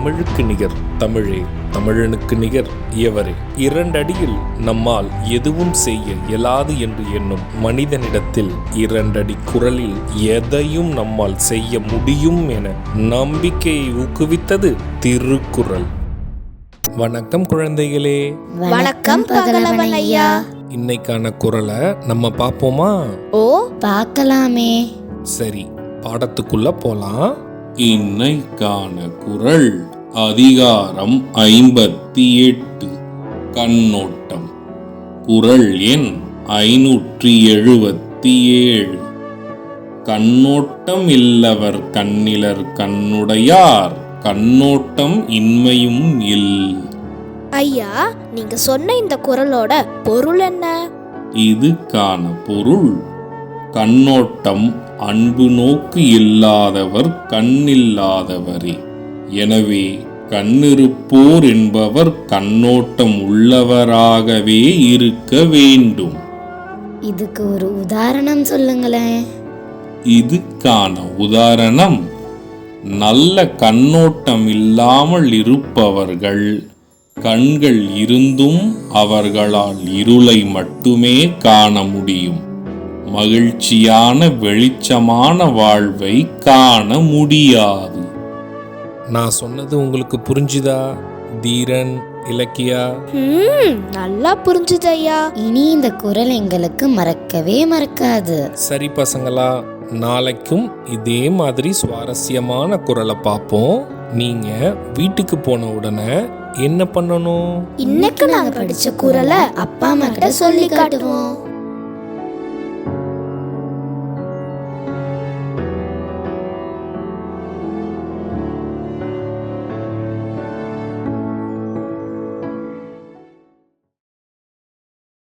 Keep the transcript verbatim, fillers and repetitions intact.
தமிழுக்கு நிகர் தமிழே, தமிழனுக்கு நிகர் எவரே. இரண்டடியில் நம்மால் எதுவும் செய்ய இயலாது என்று எண்ணும் மனிதனிடத்தில் இரண்டடி குரலில் எதையும் நம்மால் செய்ய முடியும் என நம்பிக்கையை ஊக்குவித்தது திருக்குறள். வணக்கம் குழந்தைகளே. வணக்கம் பகலவன் ஐயா. இன்னைக்கான குறளை நம்ம பார்ப்போமா? ஓ, பார்க்கலாமே. சரி, பாடத்துக்குள்ள போலாம். இன்னைக்கான குறள் அதிகாரம் ஐம்பத்தி எட்டு, கண்ணோட்டம். குறள் எண் ஐநூற்றி எழுபத்தி ஏழு. கண்ணோட்டம் இல்லவர் கண்ணிலர் கண்ணுடையார், கண்ணோட்டம் இன்மையும் இல். ஐயா, நீங்க சொன்ன இந்த குறளோட பொருள் என்ன? இதுக்கான பொருள், கண்ணோட்டம் அன்பு நோக்கு இல்லாதவர் கண்ணில்லாதவரே. எனவே கண்ணிருப்போர் என்பவர் கண்ணோட்டம் உள்ளவராகவே இருக்க வேண்டும். இதுக்கு ஒரு உதாரணம் சொல்லுங்களேன். இதுக்கான உதாரணம், நல்ல கண்ணோட்டம் இல்லாமல் இருப்பவர்கள் கண்கள் இருந்தும் அவர்களால் இருளை மட்டுமே காண முடியும். மகிழ்ச்சியான வெளிச்சமான வாழ்வை காண முடியாது. நான் சொன்னது உங்களுக்கு புரிஞ்சுதா தீரன், இலக்கியா? நல்லா புரிஞ்சுது ஐயா. இனி இந்த குறள் எங்களுக்கு மறக்கவே மறக்காது. சரி பசங்களா, நாளைக்கும் இதே மாதிரி சுவாரஸ்யமான குறளை பார்ப்போம். நீங்க வீட்டுக்கு போன உடனே என்ன பண்ணணும்? இன்னைக்கு நாங்க படிச்ச குறளை அப்பா அம்மா கிட்ட சொல்லி காட்டுவோம்.